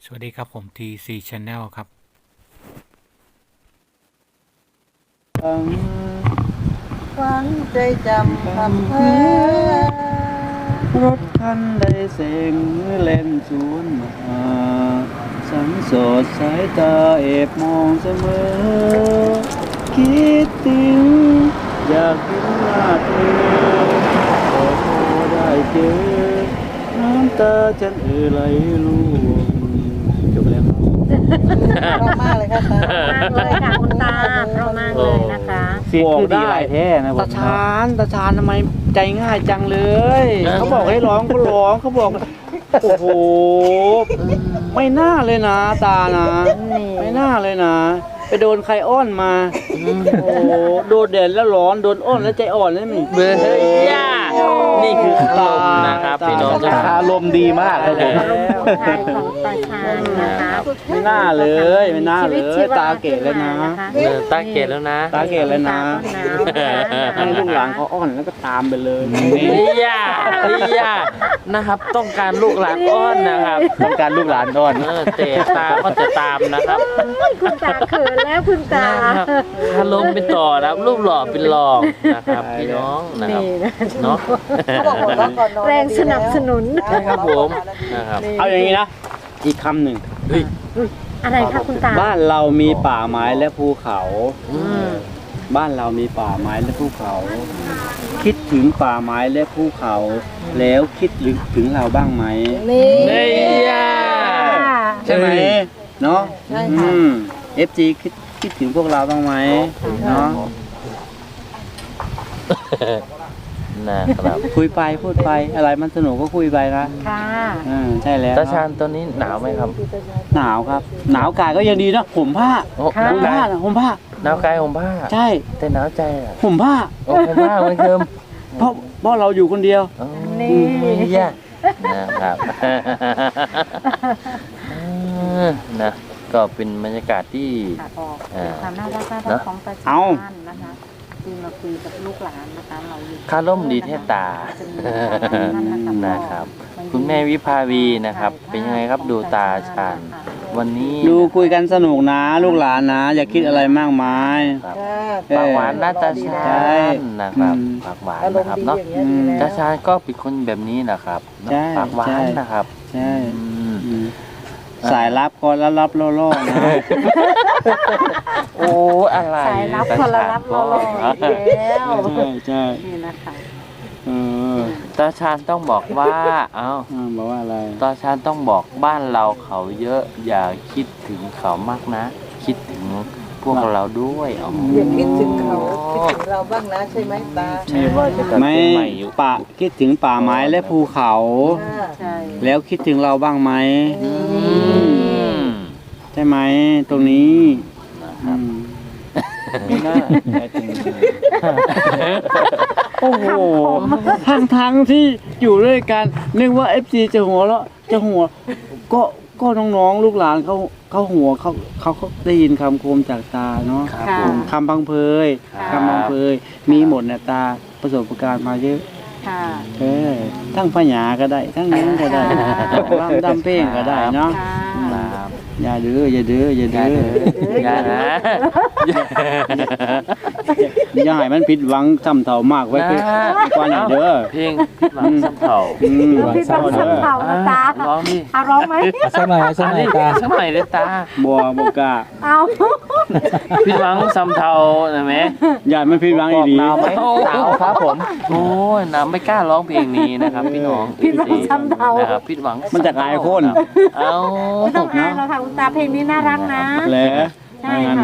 สวัสดีครับผม TC Channel ครับฝังใจจำคำเพ้อรถคันใดเสียงเล่นสวนมาสังโสดสายตาเอบมองเสมอคิดถึงอยากเห็นหน้าเธอขอโทษได้เจอน้ำตาฉันไหลร่วงจบแล้วครับเพราะมากเลยค่ะตามากเลยค่ะคุณตาเพราะมากเลยนะคะเสียงคือดีหลายแท้นะตาชานทำไมใจง่ายจังเลยเขาบอกให้ร้องก็ร้องเขาบอกโอ้โหไม่น่าเลยนะตานะไม่น่าเลยนะไปโดนใครอ้อนมาโอ้โหโดนแดดแล้วร้อนโดนอ้อนแล้วใจอ่อนเลยนี่เบอร์ย่านี่คืออารมณ์นะครับพี่น้องอารมณ์ดีมากเลยอารมณ์ของไทยของตาชาญนะคะไม่น่าเลยไม่น่าเลยตาเก๋แล้วนะตาเกตแล้วนะตาเก๋แล้วนะตาก็หนาวนะคะให้ลูกหลานเขาอ้อนแล้วก็ตามไปเลยย่านะครับ ต้องการลูกหลานอ้อนนะครับต้องการลูกหลานอ้อนแต่ตาก็จะตามนะครับคุณตาเขินแล้วคุณตานะครับอารมณ์เป็นต่อนะครับรูปหล่อเป็นรองนะครับพี่น้องนะครับนี่นะเนาะเขาบอกหัวเราะก่อนนอนแรงสนับสนุนใช่ครับผมนะครับเอาอย่างนี้นะอีกคำหนึ่งเฮ้ยอะไรคะคุณตาบ้านเรามีป่าไม้และภูเขาอืมบ้านเรามีป่าไม้และภูเขา คิดถึงป่าไม้และภูเขา แล้วคิดถึงเราบ้างไหมนี่นี่ย่าใช่ไหมเนาะใช่ค่ะ FG คิดถึงพวกเราบ้างไหมเนาะนะครับคุยไปพูดไปอะไรมันสนุกก็คุยไปนะค่ะใช่แล้วตาชานตัวนี้หนาวไหมครับหนาวครับ หนาวกายก็ยังดีนะห่มผ้าโอ้ห่มผ้านะห่มผ้าหนาวกายผมผ้าใช่แต่หนาวใจอ่ะห่มผ้าโอ้ผมผ้าเหมือนเดิมเพราะเราอยู่คนเดียวอ๋อนี่ย่านะครับนะก็เป็นบรรยากาศที่ค่ะออกเป็นความน่ารักของตาชาญนะคะที่มาคุยกับลูกหลานนะคะเราอยู่คาร่มดีเทตานะครับ คุณแม่วิภาวีนะครับ เป็นยังไงครับดูตาชาญวันนี้ดูคุยกันสนุกนะ ลูกหลานนะ อย่าคิดอะไรมากมายครับค่ะปากหวานหน้าตาชาใช่ญนะครับอืมปากหวานอารมนะณ์ครับดีเนาะอย่างเงี้ยดีแล้วตาชาญก็เป็นคนแบบนี้นะครับใช่ปากหวาใช่นนะครับใช่อืมอืมสายลับก็รับล่อๆนะโอ้อะไรสายรับคนละรับรออีกแล้วใช่ใช่นี่นะคะเออตาชาญต้องบอกว่า เอ้าบอกว่าอะไรตาชาญต้องบอกบ้านเราเขาเยอะ อย่าคิดถึงเขามากนะ คิดถึงพวกเราด้วยอ๋ออย่าคิดถึงเขาคิดถึงเราบ้างนะใช่ไหมตาใช่ว่าจะกลับไม่เชียงใหม่อยู่ป่าคิดถึงป่าไม้และภูเขาค่ะใช่แล้วคิดถึงเราบ้างไหมอืมใช่ไหมตรงนี้นะครับไม่น่าโอ้โหทั้งที่อยู่ด้วยกันนึกว่า FC จะหัวแล้วจะหัว ก็น้องๆลูกหลานเขาหัวเขาได้ยินคำคมจากตาเนาะครับค่ะผมคำพังเพยครับคำพังเพยมีหมดเนี่ยตาประสบการณ์มาเยอะค่ะทั้งพญาก็ได้ ทั้งนั้นก็ได้ค่ะรำดำเพลงก็ได้เนาะค่ะครับอย่าดื้ออย่าดื้ออย่าดื้ออย่านะอย่าให้มันผิดหวังจำเท่ามากไว้เพื่อกว่านี้เด้อเพลงพิษหวังสำเภาพี่บังสัมเผานะตาร้องดิเอาร้องไหมสักหน่อยสักหน่อยตาสมัยเลยตาบัวบกล้าเอาพิษหวังสำเภานะแม่อย่าให้มันผิดหวังอีดีหนาวไหมหนาวครับผม โอ้ยหนาวไม่กล้าร้องเพลงนี้นะครับ พี่น้องผิดหวังสัมเผานะครับพิษหวังมันจะอายคนเอาไม่ต้องอายเราค่ะคุณตาเพลงนี้น่ารักนะแหละใช่ทางาน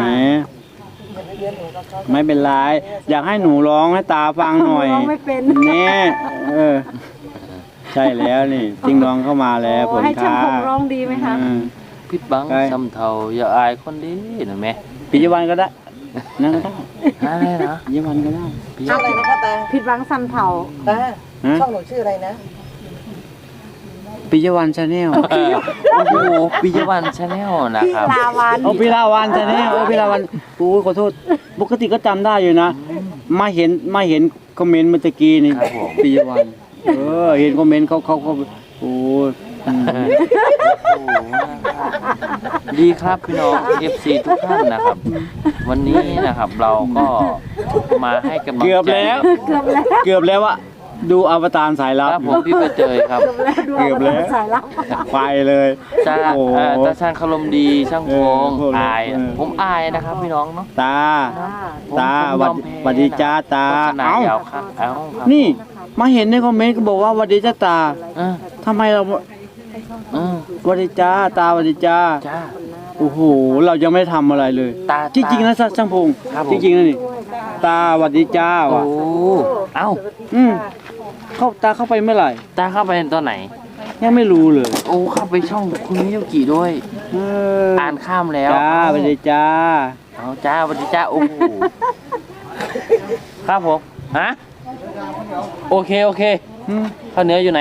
ค่ะไหนไม่เป็นไรอยากให้หนูร้องให้ตาฟังหน่อยร้องไม่เป็นแน่ใช่แล้วนี่จิงดองเข้ามาแล้วผลให้ช่างค้าผมร้องดีไหมคะพิษหวังสำเภาอย่าอายคนดีนะแม่ปิยวันก็ได้นั่นก็ได้อะไรนะปิยวันก็ได้พี่ชื่ออะไรนะคะตาผิดหวังสัมเผาตาฮะช่องหนูชื่ออะไรนะปิยวันชาแนลโอ้โหปิยวันชาแนลนะครับลาวันโอ้พิลาวันชาแนลโอ้พิลาวันโอ้ยขอโทษปกติก็จำได้อยู่นะมาเห็นคอมเมนต์เมื่อตะกี้นี่ครับผมปิยวันเห็นคอมเมนต์เขาโอ้ยโอ้โหนะครับดีครับพี่น้อง FC ทุกท่านนะครับ วันนี้นะครับเราก็มาให้กำลังใจเกือบแล้วว่าดูอวตารสายลับครับผมพี่ไปเจอครับเกือบแล้วสายลับไปเลยจ้าโอ้โหตาช่างคารมดีช่างพงพวกเราอายผมอายนะครับพี่น้องเนาะตาผมตาผมยอมแพ้หวัดดีจ้าตาโฆษณาเอ้ายาวครับเอ้าครับนี่มาเห็นในคอมเมนต์ก็บอกว่าหวัดดีจ้าตาเออทำไมเราเออหวัดดีจ้าตาหวัดดีจ้าจ้าโอ้โหเรายังไม่ได้ทำอะไรเลยตาจริงๆนะช่างพงครับผมจริงๆนะนี่ตาหวัดดีจ้าโอ้ว่ะเอ้าตาเข้าไปเมื่อไหร่ตาเข้าไปตอนไหนยังไม่รู้เลยโอ้เข้าไปช่องคุณมิยุกิด้วยเอออ่านข้ามแล้วจ้าหวัดดีจ้าเอาจ้าสวัสดีจ้าโอ้โหครับผมฮะโอเคข้าวเหนียวอยู่ไหน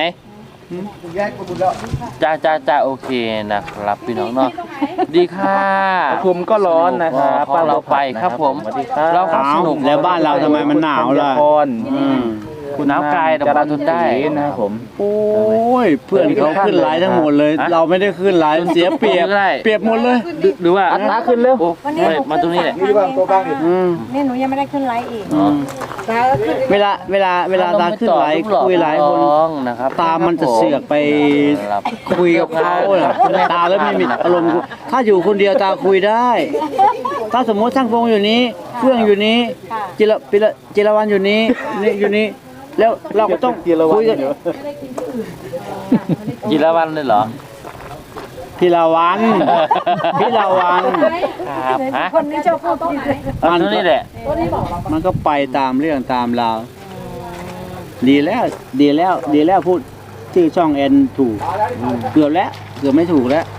จ้าโอเคนะครับพี่น้องเนาะดีค่ะผมก็ร้อนนะครับพอเราไปครับผมสวัสดีครับเราก็สเอ้านุกแล้วบ้านเราทำไมมันหนาวล่ะ อืมคุณน้ำกายแต่มาทนได้นะครับผมโอ้ยเพื่อนเขาขึ้นไลน์ทั้งหมดเลยฮะเราไม่ได้ขึ้นไลน์เสียเปรียบไม่ได้เปรียบหมดเลยหรือว่าอัตราขึ้นเร็วไม่มาตรงนี้แหละอืมนี่หนูยังไม่ได้ขึ้นไลฟ์อีกอืมตาขึ้นเวลาตาขึ้นไลน์คุยไลน์คนนะครับตามันจะเสือกไปคุยกับเขาน่ะตาแล้วไม่มีอารมณ์คุยถ้าอยู่คนเดียวตาคุยได้ ถ้าสมมติช่างพงอยู่นี้เฟื่องอยู่นี้จิรวันอยู่นี้นี่อยู่นี้ แล้วเราก็ต้องคุยกันจิรวันเลยเหรอพิรวันพิรวันครับฮะคนนี้ชอบพูดผิดอันนี้แหละมันก็ไปตามเรื่องตามราวดีแล้วพูดชื่อช่องแอนถูกเกือบไม่ถูกแล้ว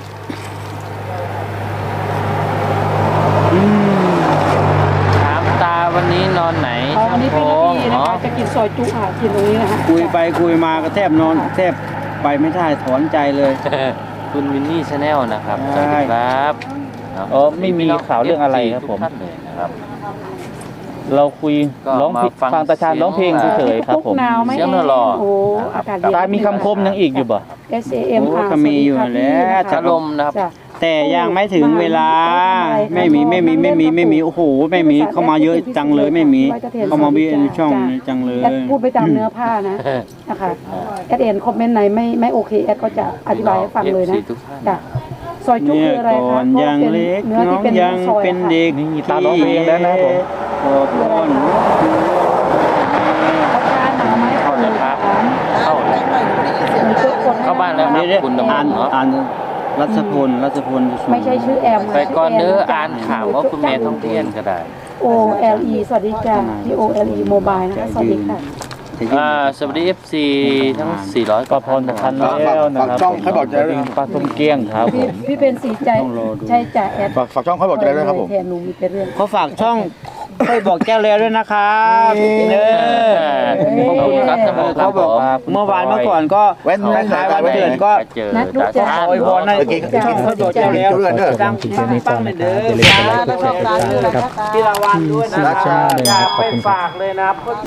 อืมถามตาวันนี้นอนไหนวันนี้เป็นนาทีนะอ๋อคะจะกินซอยจุค่ะกินตรงนี้นะคะคุยไปคุยมาก็แทบนอนแทบไปไม่ได้ถอนใจเลยคุณวินนี่ชาแนลนะครับใช่สวัสดีครับอ๋อไม่มีข่าวเรื่องอะไรครับผมทุกท่านเลยนะครับเราคุยก็ร้องเพลงมาฟังฟังตาชาญร้องเพลงเฉยๆครับผมหนาวไหมเสียงหล่อโอ้อากาศเย็นตามีคำคมยังอีกอยู่บ่ SAM โอ้ก็มีอยู่แล้วชาลมนะครับจ้ะแต่ยังไม่ถึงเวลาไม่มีโอ้โหไม่มีเข้ามาเยอะจังเลยไม่มีเข้ามาบีในช่องนี้จังเลยแอดพูดไปตามเนื้อผ้านะนะคะแอดเห็นคอมเมนต์ไหนไม่โอเคแอดก็จะอธิบายให้ฟังเลยนะทุกท่านจ้ะซอยจุเนี่ยคืออะไรก่อคะนยังเล็กเนื้อน้ที่องเป็นยังซอยเป็นเด็กนี่ตาร้องเพลงแล้วนะครับผมขอพรเข้าแล้วครับเข้าแล้วเข้าบ้านแล้วครับคุณดำรอ่านงเนาะอ่านรัชพลไม่ใช่ชื่อแอมนะไปก่อนเด้อชื่แมอ่านข่าวว่าคุณแม่ท่องเที่ยวก็ได้ OLE สวัสดีจ้ะที่ OLE Mobile นะคะสวัสดีค่ะสวัสดี FC ทั้ง 400 ก็พรทันแล้วนะครับช่องให้บอกใจด้วยปลาส้มเกี้ยงครับผมพี่เป็นสีใจใช่จ้ะแอดฝากช่องเขาบอกใจด้วยครับผมแทนหนูมีแต่เรื่องเขาฝากช่องค่อยบอกแก้วแล้วด้วยนะครับเออขอบคุณครับท่านผู้ชมเขาบอกเมื่อวานเมื่อก่อนก็แว่นคล้ายๆวันเกิดก็เจอนัดลูกจ้ะตาอวยพรให้ช่องค่อยบอกแก้วแล้วดังปังๆเลยเด้อตาแล้วก็ตาชื่ออะไรคะตาพี่ละวันด้วยนะรักชาติอย่าไปฝากเลยนะครับ